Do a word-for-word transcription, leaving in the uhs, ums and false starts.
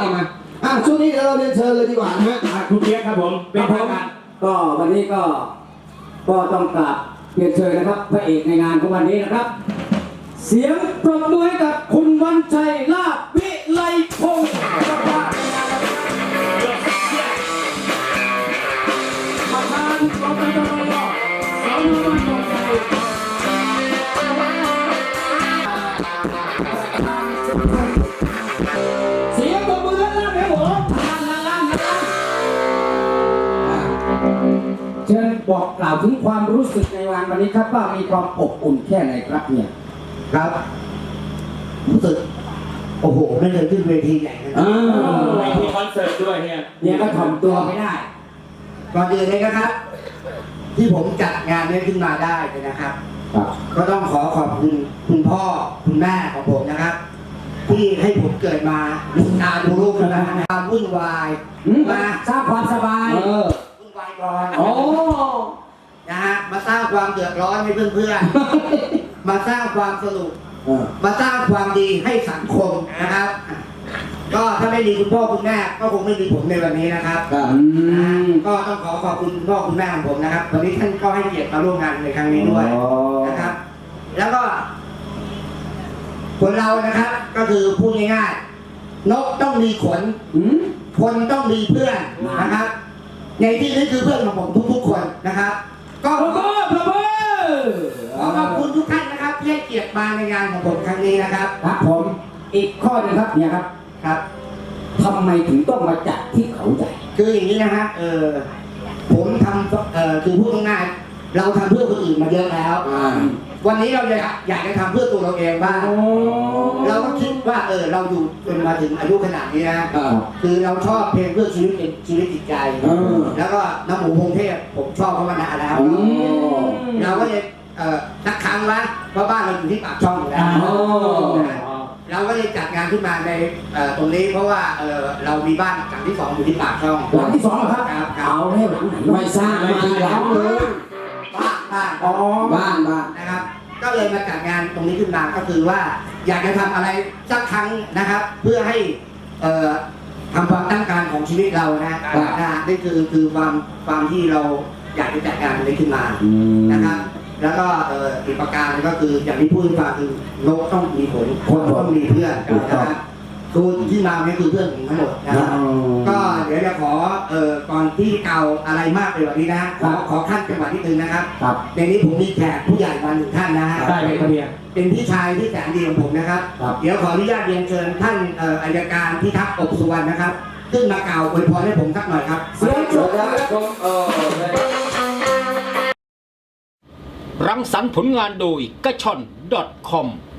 เอามาอ่ะช่วงนี้เราเรียนเชิญเลยดีกว่านะฮะคุณเปียกครับผมเป็นทางการก็วันนี้ก็ก็ต้องกราบเรียนเชิญนะครับพระเอกในงานของวันนี้นะครับ เสียงปรบมือให้กับคุณวันชัยลาภวิไลพงศ์ประธานประธานกตตสนบันดงชัยเสียงปรบมือด้านล่างครับผมด้านล่างด้านล่างเชิญบอกกล่าวถึงความรู้สึกในวันวันนี้ครับว่ามีความอบอุ่นแค่ไหนครับเนี่ยครับรู้สึกโอ้โหไม่เคยขึ้นเวทีใหญ่ขนาดนี้เวทีคอนเสิร์ตด้วยเนี่ยเนี่ยก็ถ่อมตัวไม่ได้ก่อนอื่นเลยนะครับ ที่ผมจัดงานนี้ขึ้นมาได้นะครับก็ต้องขอขอบคุณคุณพ่อคุณแม่ของผมนะครับ ที่ให้ผมเกิดมาดูตาดูลูกนะความวุ่นวายมาสร้างความสบายวุ่นวายก่อนโอ้นะฮะมาสร้างความเดือดร้อนให้เพื่อนๆมาสร้างความสนุกมาสร้างความดีให้สังคมนะครับก็ถ้าไม่มีคุณพ่อคุณแม่ก็คงไม่มีผมในวันนี้นะครับก็ต้องขอขอบคุณคุณพ่อคุณแม่ของผมนะครับวันนี้ท่านก็ให้เกียรติมาร่วมงานในครั้งนี้ด้วยนะครับแล้วก็คนเรานะครับก็คือพูดง่ายๆนกต้องมีขนคนต้องมีเพื่อนนะครับในที่นี้คือเพื่อนของผมทุกๆคนนะครับก็ขอขอบคุณทุกท่านนะครับที่ให้เกียรติมาในงานของผมครั้งนี้นะครับครับผมอีกข้อนึงครับเนี่ยครับครับทำไมถึงต้องมาจัดที่เขาใหญ่คืออย่างนี้นะฮะเออผมทำเออคือพูดง่ายๆเราทำเพื่อคนอื่นมาเยอะแล้ววันนี้เราอยากอยากจะทำเพื่อตัวเราเองบ้างเราก็คิดว่าเออเราอยู่จนมาถึงอายุขนาดนี้นะคือเราชอบเพลงเพื่อชีวิตชีวิตจิตใจแล้วก็น้ำหมูพงเทพผมชอบเขามานานแล้วเราก็เลยเอ่อสักครั้งละเพราะบ้านเราอยู่ที่ปากช่องอยู่แล้วเราก็เลยจัดงานขึ้นมาในตรงนี้เพราะว่าเออเรามีบ้านหลังที่สองอยู่ที่ปากช่องหลังที่สองครับเอาให้หลังไหนไม่สร้างมาหลังเลยบ้านบ้านอ๋อบ้านบ้านนะครับก็เลยมาจัดงานตรงนี้ขึ้นมาก็คือว่าอยากจะทำอะไรสักครั้งนะครับเพื่อให้เอ่อทำความตั้งการของชีวิตเรานะนะนี่คือคือความความที่เราอยากจะจัดงานตรงนี้ขึ้นมานะครับแล้วก็อีกประการก็คืออย่างที่พูดให้ฟังคือนกต้องมีผลคนต้องมีเพื่อนนะครับคือที่มาเนี่ยคือเพื่อนผมทั้งหมดนะครับก็เดี๋ยวจะขอเอ่อก่อนที่เก่าอะไรมากไปกว่านี้นะขอขอขั้นจังหวัดที่หนึ่งนะครับในนี้ผมมีแขกผู้ใหญ่มาหนึ่งท่านนะฮะได้เลยครับเนี่ยเป็นพี่ชายที่แสนดีของผมนะครับเดี๋ยวขออนุญาตเรียนเชิญท่านอัยการพิทักษ์อบสุวรรณนะครับขึ้นมากล่าวอวยพรให้ผมสักหน่อยครับเสียงปรบมือรังสรรค์ผลงานโดยกระชอน .com